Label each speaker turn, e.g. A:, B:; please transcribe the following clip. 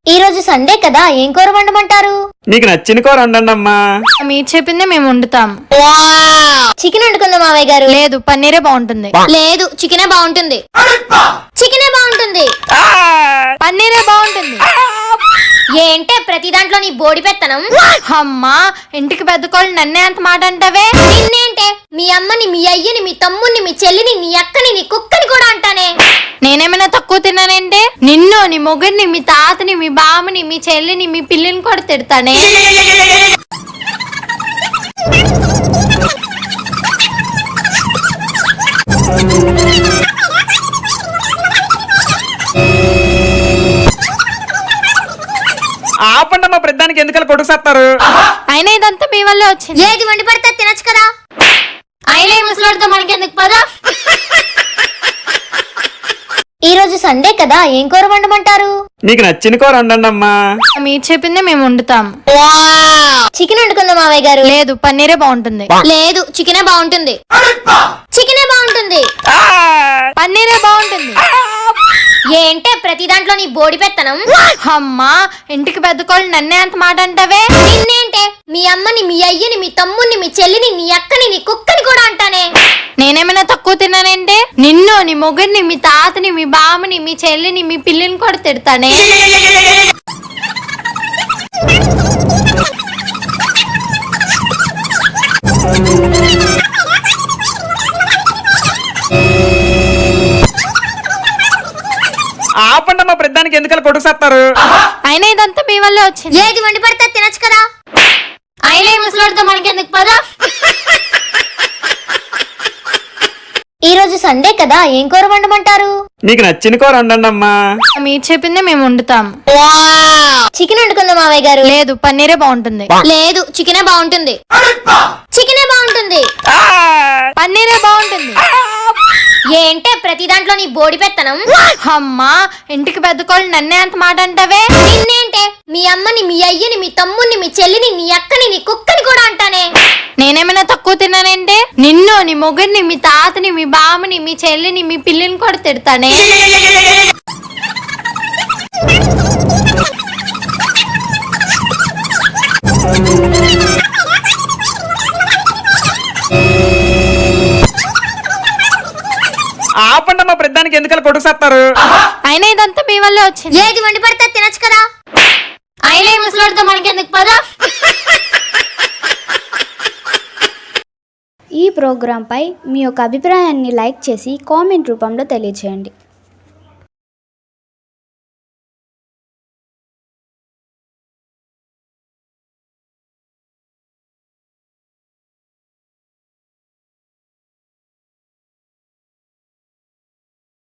A: ఈ రోజు సండే కదా, ఏం కూర వండమంటారు?
B: నీకు నచ్చిన కూర వండండి అమ్మా.
C: మీరు చెప్పిందే మేము వండుతాం.
A: చికెన్ వండుకుందాం మావయ్య గారు.
C: లేదు, పన్నీరే బాగుంటుంది.
A: లేదు, చికెనే బాగుంటుంది. చికెనే బాగుంటుంది.
C: పన్నీరే బాగుంటుంది.
A: ఏంటే ప్రతి దాంట్లో నీ బోడి పెత్తనం?
C: అమ్మా, ఇంటికి పెద్ద కోళ్ళు నన్నే అంత మాట అంటావే?
A: నిన్నేంటే మీ అమ్మని, మీ అయ్యని, మీ తమ్ముని, మీ చెల్లిని, నీ అక్కని, నీ కుక్కని కూడా అంటానే.
C: నేనేమైనా తక్కువ తిన్నానంటే? నిన్ను, నీ మొగుడిని, మీ తాతని, మీ బామ్మని, మీ చెల్లిని, మీ పిల్లిని కూడా తిడతానే.
B: ఆపండి అమ్మా, ప్రతిదానికి ఎందుకలా కొడుకుసేస్తారు?
C: అయినా ఇదంతా మీ వల్లే వచ్చింది.
A: ఏది వండి పడితే తినచ్చు కదా.
C: అయినా ఈ ముసలాడితో మనకెందుకు పదా?
A: ఈ రోజు సండే కదా, ఏం కూర వండమంటారు?
B: నీకు నచ్చిన కూర వండండి అమ్మా.
C: మీరు చెప్పిందే మేము వండుతాం.
A: చికెన్ వండుకుందాం మావయ్య గారు.
C: లేదు, పన్నీరే బాగుంటుంది.
A: లేదు, చికెనే బాగుంటుంది. చికెనే బాగుంటుంది.
C: పన్నీరే బాగుంటుంది.
A: ఏంటే ప్రతి దాంట్లో నీ బోడి పెత్తనం?
C: అమ్మా, ఇంటికి పెద్ద కోళ్ళు నన్నే అంత మాట అంటావే?
A: నిన్నేంటే మీ అమ్మని, మీ అయ్యని, మీ తమ్ముని, మీ చెల్లిని, నీ అక్కని, నీ కుక్కని కూడా అంటానే.
C: నేనేమైనా తక్కువ తిన్నానంటే? నిన్ను, నీ మొగుడిని, మీ తాతని, మీ బామ్మని, మీ చెల్లిని, మీ పిల్లిని కూడా తిడతానే.
B: ఆపండి అమ్మా, ప్రతిదానికి ఎందుకలా కొడుకుసేస్తారు?
C: అయినా ఇదంతా మీ వల్లే వచ్చింది.
A: ఏది వండి పడితే తినచ్చు కదా.
C: అయినా ఈ ముసలాడితో మనకెందుకు పదా?
A: ఈ రోజు సండే కదా, ఏం కూర వండమంటారు?
B: నీకు నచ్చిన కూర వండండి అమ్మా.
C: మీరు చెప్పిందే మేము వండుతాం.
A: చికెన్ వండుకుందాం మావయ్య గారు.
C: లేదు, పన్నీరే బాగుంటుంది.
A: లేదు, చికెనే బాగుంటుంది. చికెనే బాగుంటుంది.
C: పన్నీరే బాగుంటుంది.
A: ఏంటే ప్రతి దాంట్లో నీ బోడి పెత్తనం?
C: అమ్మా, ఇంటికి పెద్ద కోళ్ళు నన్నే అంత మాట అంటావే?
A: నిన్నేంటే మీ అమ్మని, మీ అయ్యని, మీ తమ్ముని, మీ చెల్లిని, నీ అక్కని, నీ కుక్కని కూడా అంటానే.
C: నేనేమైనా తక్కువ తిన్నానంటే? నిన్ను, నీ మొగుడిని, మీ తాతని, మీ బామ్మని, మీ చెల్లిని, మీ పిల్లిని కూడా తిడతానే.
B: ఆపండి అమ్మా, ప్రతిదానికి ఎందుకలా కొడుకుసేస్తారు?
C: అయినా ఇదంతా మీ వల్లే వచ్చింది.
A: ఏది వండి పడితే తినచ్చు కదా.
C: అయినా ఈ ముసలాడితో మనకెందుకు పదా?
D: ఈ ప్రోగ్రాంపై మీ యొక్క అభిప్రాయాన్ని లైక్ చేసి కామెంట్ రూపంలో తెలియజేయండి.